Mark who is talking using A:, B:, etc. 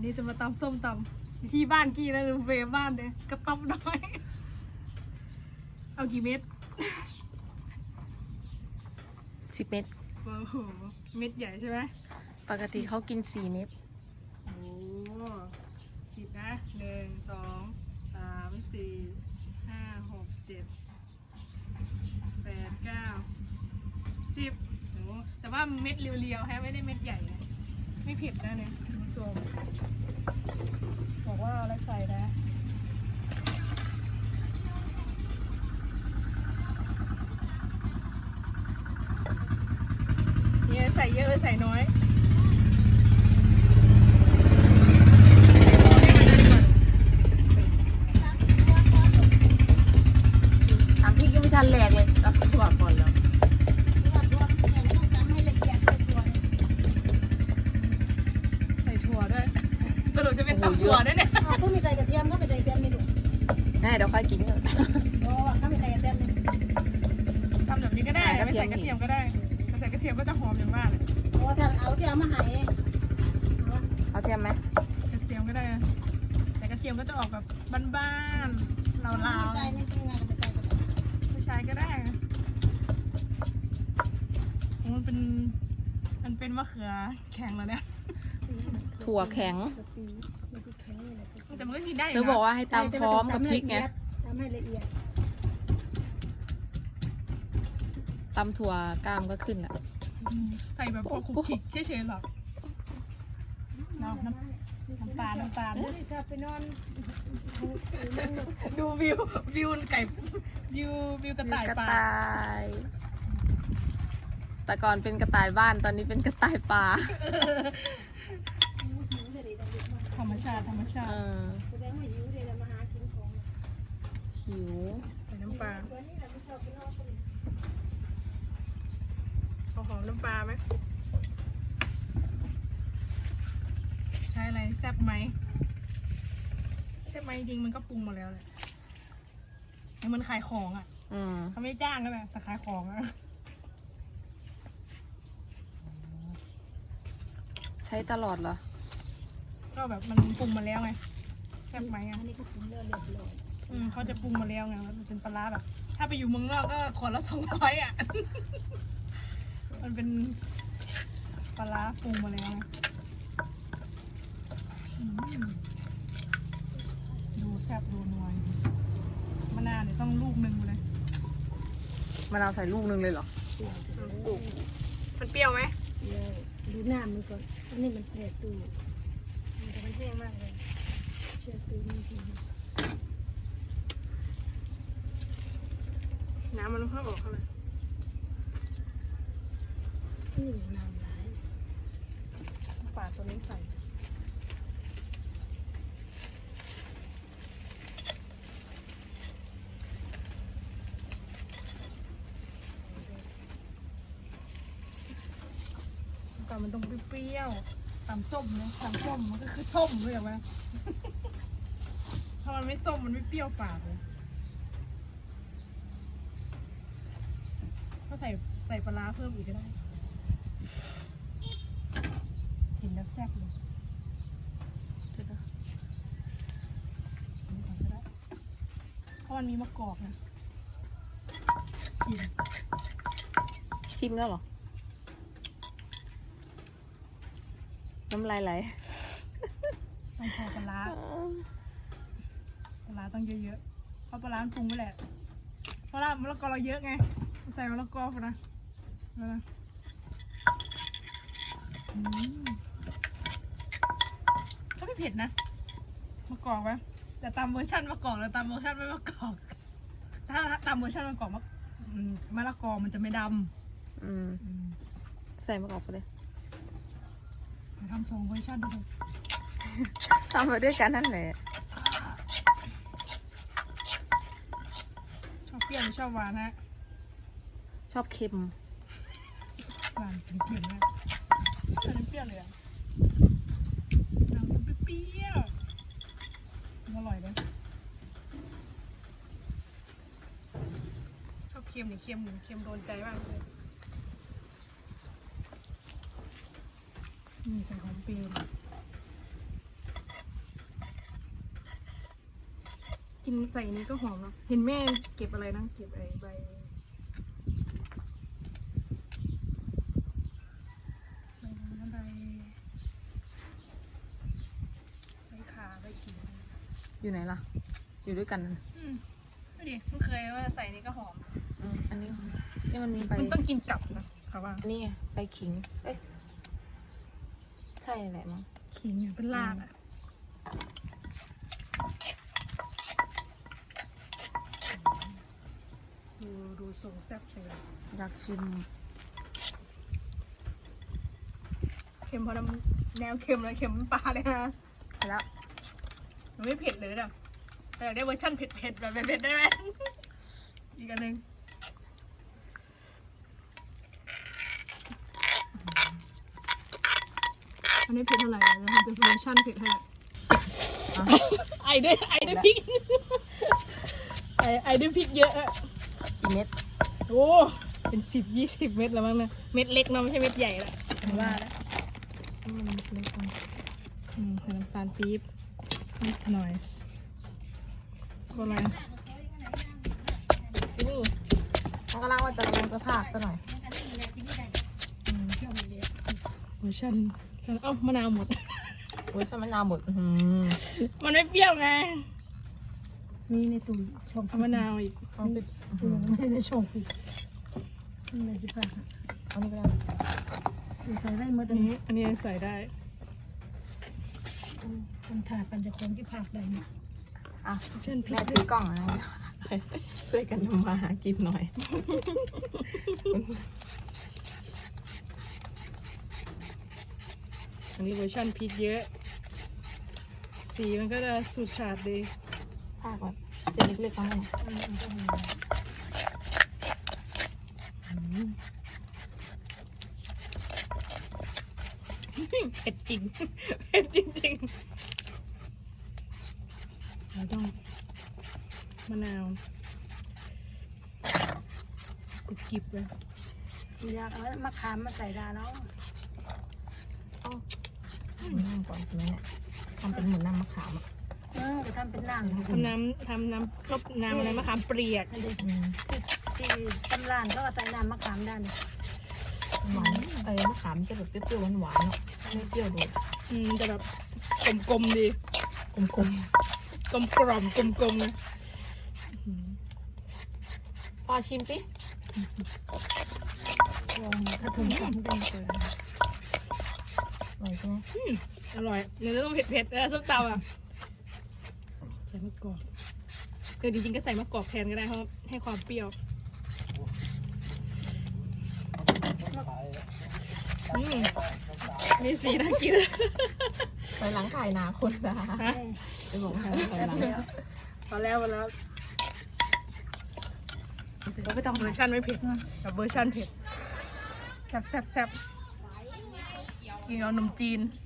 A: นี้จะมาตำส้มตำที่บ้านกี้นะหรือเวบ้านเนี่ยกระต๊อบน้อยเอากี่เม็ด
B: 10 เม็ด
A: โอ้โหเม็ดใหญ่ใช่ไหม
B: ปกติเขากิน4 เม็ด
A: โอ้10นะ1 2 3 4 5 6 7 8 9 10โอ้แต่ว่าเม็ดเรียวๆแฮะไม่ได้เม็ดใหญ่นะไม่เผ็ดนะเนี่ยคุณผู้ชมบอกว่าเอาอะไรใส่นะเนี่ยใส่เยอะหรือใส่น้อย
B: ทำพริกยังไม่ทันแหลกเลยรับถั่วก่อนแล้ว
A: ใส่ถั่วด้วยสรุปจะเป็นตำถั่วด้วยเนี่ย
C: ก็มีใส่กระเทียมก็ไปใส่กระเทียมนี่ลูก
B: แม่เดี๋ยวค่อยกินเถอะ
C: โอ้ก็มีใส่กระเทียมนี่
A: ทำแบบนี้ก็ได้ไม่ใส่กระเทียมก็ได้ถ้าใส่กระเทียมก็จะหอมอย่างมากเลย
C: โอ้ถ้าเอาที่เอามาให้
B: เอาเทียมไหม
A: กระเทียมก็ได้แต่กระเทียมก็จะออกแบบบ้านๆลาว
C: ใส่นี่คือไงไปใส่กระเทียม
A: ๆผู้ชายก็ได้มันเป็นมะเขือแข็งแล้วเนี่ย
B: ถั่วแข็ง
A: แต่มันก็กินได้
B: เธอบอกว่าให้ตำพร้อมกับพริกไง
C: ทำให้ละเอียด
B: ตำถั่วกล้ามก็ขึ้นแหละ
A: ใส่แบบพวกคุกคิกเฉยๆหรอกน้ำตาล
C: ชอบไปนอน
A: ดูวิวไก่วิวกระต่าย
B: กระ
A: ป่า
B: ต่ายแต่ก่อนเป็นกระต่ายบ้านตอนนี้เป็นกระต่ายป่า
A: ธรรมชาติ
B: เออ
C: แสดงว่าหิวเลยมาหากินของ
B: หิว
A: ใส่น้ำปลา
C: ตัวนี้เราไม่ชอบไปนอน
A: เอาหอมน้ำปลาไหมใช้อะไรแซ่บไหมแซ่บไหมจริงๆมันก็ปรุงมาแล้วแหละมันขายของอ่ะ
B: อืม
A: เขาไม่จ้างก็แหละแต่ขายของอ่ะ
B: ใช้ตลอดเหรอ
A: ก็แบบมันปรุงมาแล้วไงแซ่บไหมอ่ะ
C: อันนี้ก็ถึงเลือดเลย
A: เขาจะปรุงมาแล้วไงมันเป็นปลาร้าแบบ ถ้าไปอยู่เมืองนอกก็ขวดละ200อ่ะ มันเป็นปลาร้าปรุงมาแล้วไงอืมดูแซ่บดูนัวมะนาวเนี่ยต้องลูกหนึ่งเลย
B: มะนาวใส่ลูกนึงเลยเหรอ
A: มันเปรี้ยวไหม
C: ดูหน้ามันก่อนอันนี้มันแผลตู
A: แต่มันเปรี้ยวมากเลย
C: เชื่อตูนี่ที
A: น้ำมันค่อยออกเข้าไป
C: นี่น้ำไหล
A: ปาดตัวนี้ใส่ก่อนมันต้องเปรี้ยวๆตำส้มนะตำส้มมันก็คือส้มเลยเหรอวะ ถ้ามันไม่ส้มมันไม่เปรี้ยวปากเลยก็ใส่ปลาร้าเพิ่มอีกก็ได้กินแล้วแซ่บเลยเดี๋ยวนะอันนี้ก่อนก็ได้เพราะมันมีมะกอกนะชิม
B: ชิมแล้วเหรอ น้ำลายไหล
A: ต้องพอปลาร้าต้องเยอะๆเพราะปลาร้ามันปรุงไว้แหละเพราะมะละกอเราเยอะไงใส่มะละกอไปนะแล้วนะก็ไม่เผ็ดนะมะกอกไหมแต่ตามเวอร์ชันมะกอกแล้วตามเวอร์ชันไม่มะกอกถ้าตามเวอร์ชันมะกอกมะละกอมันจะไม่ด
B: อืม
A: ำ
B: ใส่มะกอกไปเลย
A: ทำสองเวอร์ชันดู
B: ทำไปด้วยกันนั่นแหละ
A: ชอบเปรี้ยวหรือชอบหวานฮะ
B: ชอบเค็ม
A: หวานเค็มๆนะอันนี้เปรี้ยวเลยอ่ะน้ำมันเปรี้ยวอร่อยเลยชอบเค็มนี่เค็มโดนใจมากเลยนี่ใส่หอมเปรี้ยวกินใส่นี้ก็หอมเนาะเห็นแม่เก็บอะไรนะเก็บไอ้ใบขาใบขิง
B: อยู่ไหนล่ะ อยู่ด้วยกัน
A: ดูดิไม่เคยว่าใส่นี้ก็หอม
B: อันนี้นี่มันมีใบ
A: มันต้องกินกลับนะค่ะว่า
B: อันนี้ไงใบขิง เอ้ยใช่แหละมั้ง
A: ขิงเป็นรากอ่ะดูทรงแซ่บเลย
B: อยากชิม
A: เค็มเพราะน้ำแนวเค็มเลยเค็มน้ำปลาเลยฮะ
B: ไปแล้ว
A: มันไม่เผ็ดเลยนะแต่อยากได้เวอร์ชันเผ็ดๆแบบเผ็ดๆได้ไหมอีกอันหนึ่งอันนี้เผ็ดเท่าไหร่แล้วมันจะเวอร์ชันเผ็ดให้ไอด้วยพริกไอด้วยพริกเยอะอะ
B: อีเม็ด
A: โอ้เป็น10-20 เม็ดแล้วมั้งนะเม็ดเล็กเนาะไม่ใช่เม็ดใหญ่ละผมว่าแล้ว
B: มันเล็กจัง
A: ใส่น้ำตาลปี๊บนิดหน่อยก็อะไร
B: นี่มันกำลังว่าจะลงสภาพซะหน่อย
A: เวอร์ชันเอ้ามะนาวหมด
B: อุ้ยถ้ามะนาวหมด
A: มันไม่เปรี้ยวไง
C: มีในตู้ช่อง
A: เอามะนาวอีก
B: เอาปิด
C: ไม่ในช่องฟิตนี่อะไรจะพา
B: เอานี่ก็ได้
C: ใส่ได้หมด
A: อันนี้ใส่ได้
C: คนถ่ายปัญจคนที่ภาคใดเนี่ย
B: อ่ะ
A: เช่นพริ
B: แม่
A: ก
B: ถือกล้องนะช่วยกันทำมาหากินหน่อย
A: อันนี้เวอร์ชันพริกเยอะ สีมันก็จะสูดฉาดดี
B: ภาคแบบเส้นเล็กๆทั้งหมด
A: เผ็ดจริง เผ็ดจริงๆเราต้องมะนาวกรุบกริบเลย
C: อยากเอามะขามมาใส่ดาแล้ว
B: น้ำก่อนใช่ไหมเนี่ยทำเป็นเหมือนน้ำมะขามอ่ะ
C: จะทำเป็นน้ำ
A: ทำน้ำรบน้ำอะไรมะขามเปียก
C: ที่ตำรานก็ใส่น้ำมะขามได้
B: หวานมะขามจะแบบเปรี้ยวๆหวานๆเนาะไม่เปรี้ยวโดด
A: จะแบบกลมๆดี
B: กลม
A: กลมกลมๆนะ
B: ๆพอชิมสิ
C: ถ้าถึงสามเดือนเกิน
B: อร่อยใช่ไหม
A: อร่อยเนื้อต้องเผ็ดๆแล้วส้มตำอ่ะใส่มะกอกจริงๆก็ใส่มะกอกแทนก็ได้เพราะให้ความเปรี้ยวมีสีน่ากิน
B: ถอยหลังถ่ายหนาคนนะ
A: ฮะ
B: จะบอกให้ถอยหลัง
A: พอแล้วแล้วเวอร์ชันไม่เผ็ดกับเวอร์ชันเผ็ดแซ่บกินเอานมจีน